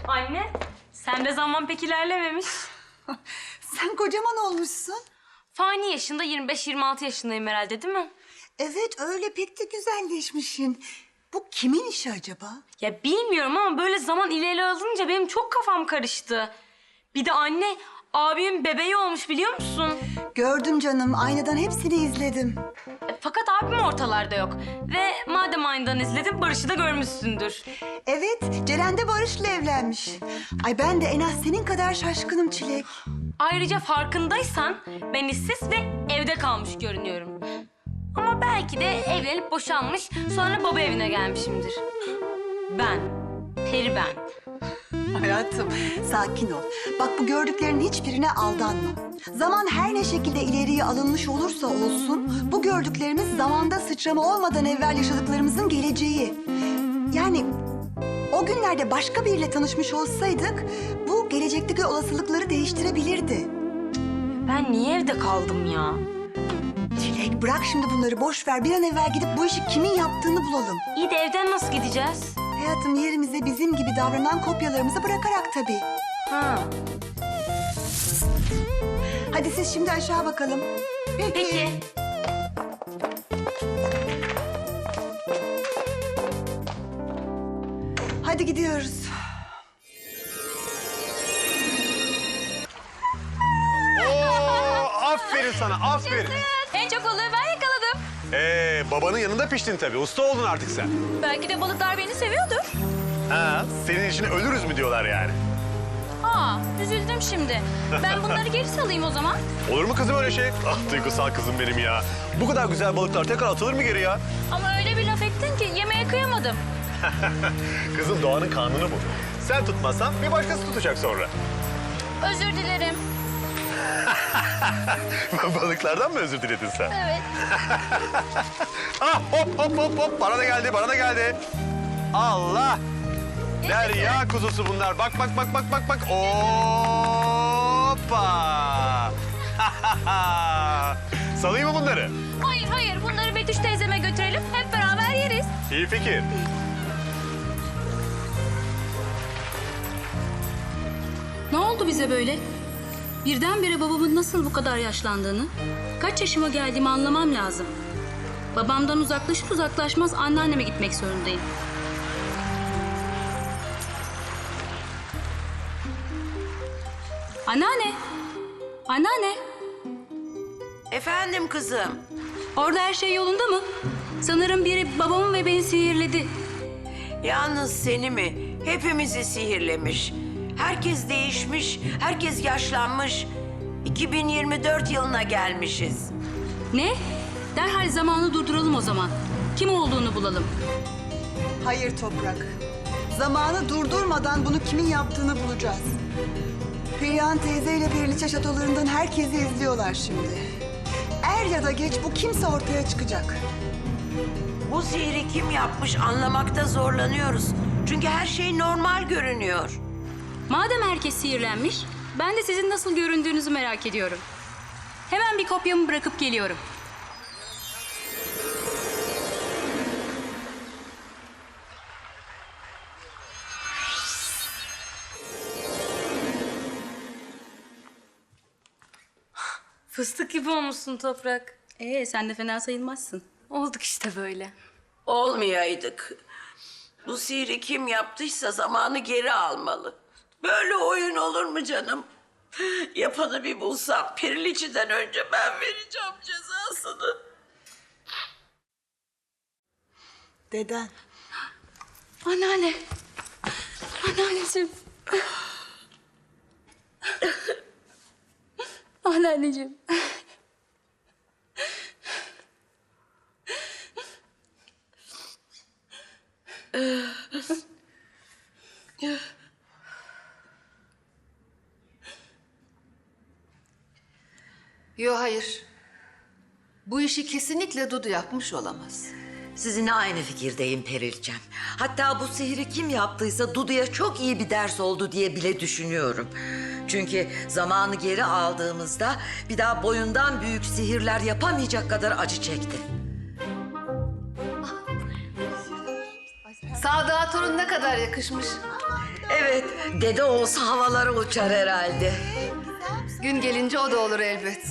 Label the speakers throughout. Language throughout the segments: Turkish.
Speaker 1: Anne, sen de zaman pek ilerlememiş.
Speaker 2: Sen kocaman olmuşsun.
Speaker 1: Fani yaşında 25-26 yaşındayım herhalde değil mi?
Speaker 2: Evet öyle pek de güzelleşmişsin. Bu kimin işi acaba?
Speaker 1: Ya bilmiyorum ama böyle zaman ileri alınca benim çok kafam karıştı. Bir de anne, abimin bebeği olmuş biliyor musun?
Speaker 2: Gördüm canım, aynadan hepsini izledim.
Speaker 1: Fakat abim ortalarda yok. Ve madem aynadan izledin, Barış'ı da görmüşsündür.
Speaker 2: Evet, Ceren de Barış'la evlenmiş. Ay ben de en az senin kadar şaşkınım Çilek.
Speaker 1: Ayrıca farkındaysan ben işsiz ve evde kalmış görünüyorum. Ama belki de evlenip boşanmış, sonra baba evine gelmişimdir. Ben, Peri ben.
Speaker 2: Hayatım, sakin ol. Bak bu gördüklerinin hiçbirine aldanma. Zaman her ne şekilde ileriye alınmış olursa olsun... ...bu gördüklerimiz zamanda sıçrama olmadan evvel yaşadıklarımızın geleceği. Yani o günlerde başka biriyle tanışmış olsaydık... ...bu gelecekteki olasılıkları değiştirebilirdi.
Speaker 1: Ben niye evde kaldım ya?
Speaker 2: Çilek bırak şimdi bunları boş ver. Bir an evvel gidip bu işi kimin yaptığını bulalım.
Speaker 1: İyi de evden nasıl gideceğiz?
Speaker 2: Hayatım yerimize bizim gibi davranan kopyalarımızı bırakarak tabii.
Speaker 1: Ha.
Speaker 2: Hadi siz şimdi aşağı bakalım.
Speaker 1: Peki.
Speaker 2: Hadi gidiyoruz.
Speaker 3: Aferin sana, aferin.
Speaker 4: En çok balığı ben yakaladım.
Speaker 3: Babanın yanında piştin tabii. Usta oldun artık sen.
Speaker 4: Belki de balıklar beni seviyordur.
Speaker 3: Ha, senin için ölürüz mü diyorlar yani.
Speaker 4: Aa, üzüldüm şimdi. Ben bunları geri salayım o zaman.
Speaker 3: Olur mu kızım öyle şey? Ah duygusal kızım benim ya. Bu kadar güzel balıklar tekrar atılır mı geri ya?
Speaker 4: Ama öyle bir laf ettin ki yemeğe kıyamadım.
Speaker 3: Kızım doğanın kanunu bu. Sen tutmazsan bir başkası tutacak sonra.
Speaker 4: Özür dilerim.
Speaker 3: Balıklardan mı özür diledin sen?
Speaker 4: Evet.
Speaker 3: Ah hop hop hop hop. Bana da geldi, bana da geldi. Allah! Derya kuzusu bunlar. Bak bak bak bak bak bak. Hoppa! Salayım mı bunları?
Speaker 4: Hayır hayır, bunları Betüş teyzeme götürelim. Hep beraber yeriz.
Speaker 3: İyi fikir.
Speaker 5: Ne oldu bize böyle? Birdenbire babamın nasıl bu kadar yaşlandığını, kaç yaşıma geldiğimi anlamam lazım. Babamdan uzaklaşır uzaklaşmaz anneanneme gitmek zorundayım. Anneanne! Anneanne!
Speaker 6: Efendim kızım.
Speaker 5: Orada her şey yolunda mı? Sanırım biri babamı ve beni sihirledi.
Speaker 6: Yalnız seni mi? Hepimizi sihirlemiş. Herkes değişmiş, herkes yaşlanmış. 2024 yılına gelmişiz.
Speaker 5: Ne? Derhal zamanı durduralım o zaman. Kim olduğunu bulalım.
Speaker 2: Hayır Toprak. Zamanı durdurmadan bunu kimin yaptığını bulacağız. Perihan teyzeyle Periliçe şatolarından herkesi izliyorlar şimdi. Er ya da geç bu kimse ortaya çıkacak.
Speaker 6: Bu sihri kim yapmış anlamakta zorlanıyoruz. Çünkü her şey normal görünüyor.
Speaker 5: Madem herkes sihirlenmiş, ben de sizin nasıl göründüğünüzü merak ediyorum. Hemen bir kopyamı bırakıp geliyorum.
Speaker 1: Fıstık gibi olmuşsun Toprak.
Speaker 5: Sen de fena sayılmazsın.
Speaker 1: Olduk işte böyle.
Speaker 6: Olmayaydık. Bu sihri kim yaptıysa zamanı geri almalı. Böyle oyun olur mu canım? Yapanı bir bulsam Periliçe'den önce ben vereceğim cezasını.
Speaker 2: Deden.
Speaker 5: Anneanne. Anneanneciğim. Anneanneciğim.
Speaker 7: Yo hayır. Bu işi kesinlikle Dudu yapmış olamaz.
Speaker 8: Sizinle aynı fikirdeyim Perilcem. Hatta bu sihri kim yaptıysa Dudu'ya çok iyi bir ders oldu diye bile düşünüyorum. Çünkü zamanı geri aldığımızda bir daha boyundan büyük sihirler yapamayacak kadar acı çekti.
Speaker 7: Sadık'a torun ne kadar yakışmış.
Speaker 8: Evet, dede olsa havalara uçar herhalde.
Speaker 7: Gün gelince o da olur elbet.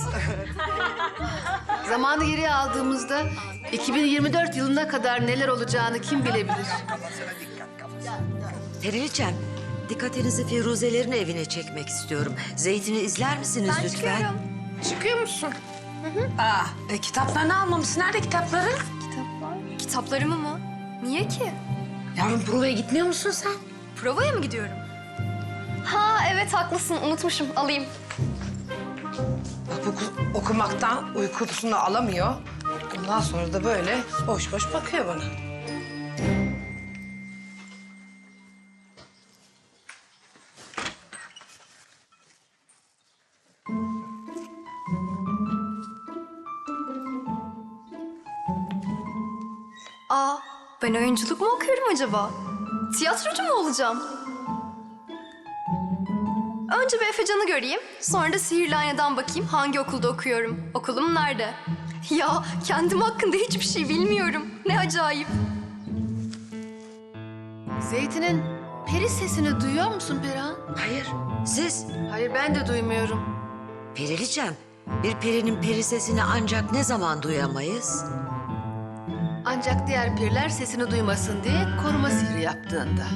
Speaker 7: Zamanı geriye aldığımızda 2024 yılına kadar neler olacağını kim bilebilir?
Speaker 8: Periliçem, dikkatinizi Firuzelerin evine çekmek istiyorum. Zeytin'i izler misiniz lütfen?
Speaker 9: Çıkıyor musun? Kitaplarını almamışsın. Nerede kitapları?
Speaker 10: Kitaplarımı mı? Niye ki?
Speaker 9: Yavrum provaya gitmiyor musun sen?
Speaker 10: Provaya mı gidiyorum? Ha evet haklısın unutmuşum alayım.
Speaker 9: Bak bu okumaktan uykusunu alamıyor. Ondan sonra da böyle boş boş bakıyor bana.
Speaker 10: Aa ben oyunculuk mu okuyorum acaba? Tiyatrocu mu olacağım? Önce bir Efecan'ı göreyim. Sonra da Sihirli Ayna'dan bakayım hangi okulda okuyorum. Okulum nerede? Ya kendim hakkında hiçbir şey bilmiyorum. Ne acayip.
Speaker 7: Zeytin'in peri sesini duyuyor musun Perihan?
Speaker 8: Hayır, siz?
Speaker 7: Hayır ben de duymuyorum.
Speaker 8: Periliçem, bir perinin peri sesini ancak ne zaman duyamayız?
Speaker 7: Ancak diğer periler sesini duymasın diye koruma sihri yaptığında.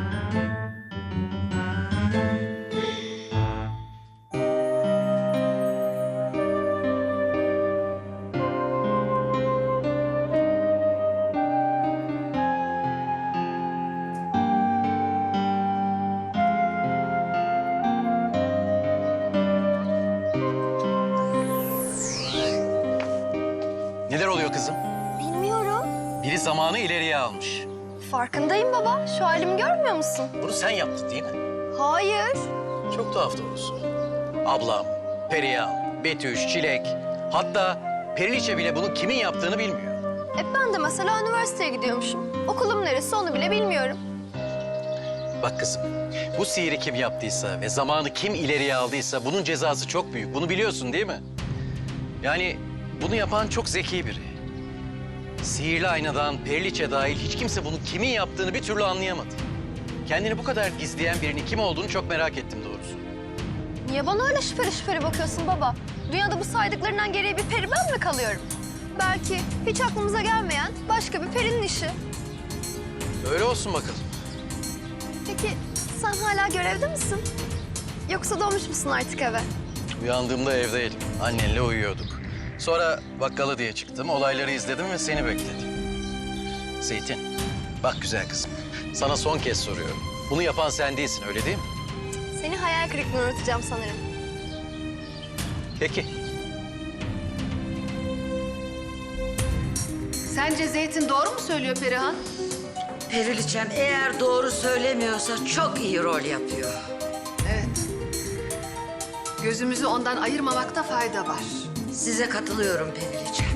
Speaker 3: Neler oluyor kızım?
Speaker 10: Bilmiyorum.
Speaker 3: Biri zamanı ileriye almış.
Speaker 10: Farkındayım baba. Şu halimi görmüyor musun?
Speaker 3: Bunu sen yaptın değil mi?
Speaker 10: Hayır.
Speaker 3: Çok tuhaf doğrusu. Ablam, Perihan, Betüş, Çilek... Hatta Periliçe bile bunun kimin yaptığını bilmiyor.
Speaker 10: Ben de mesela üniversiteye gidiyormuşum. Okulum neresi onu bile bilmiyorum.
Speaker 3: Bak kızım, bu sihiri kim yaptıysa ve zamanı kim ileriye aldıysa bunun cezası çok büyük. Bunu biliyorsun değil mi? Yani bunu yapan çok zeki biri. Sihirli aynadan Periliçe dahil hiç kimse bunun kimin yaptığını bir türlü anlayamadı. Kendini bu kadar gizleyen birinin kim olduğunu çok merak ettim doğrusu.
Speaker 10: Niye bana öyle şüpheli şüpheli bakıyorsun baba? Dünyada bu saydıklarından geriye bir peri ben mi kalıyorum? Belki hiç aklımıza gelmeyen başka bir perinin işi.
Speaker 3: Öyle olsun bakalım.
Speaker 10: Peki sen hala görevde misin? Yoksa dönmüş müsün artık eve?
Speaker 3: Uyandığımda evdeydim. Annenle uyuyorduk. Sonra bakkala diye çıktım. Olayları izledim ve seni bekledim. Zeytin, bak güzel kızım. Sana son kez soruyorum. Bunu yapan sen değilsin, öyle değil mi?
Speaker 10: Seni hayal kırıklığına uğratacağım sanırım.
Speaker 3: Peki.
Speaker 7: Sence Zeytin doğru mu söylüyor Perihan?
Speaker 8: Periliçem eğer doğru söylemiyorsa çok iyi rol yapıyor.
Speaker 7: Evet. Gözümüzü ondan ayırmamakta fayda var.
Speaker 8: Size katılıyorum Periliçem.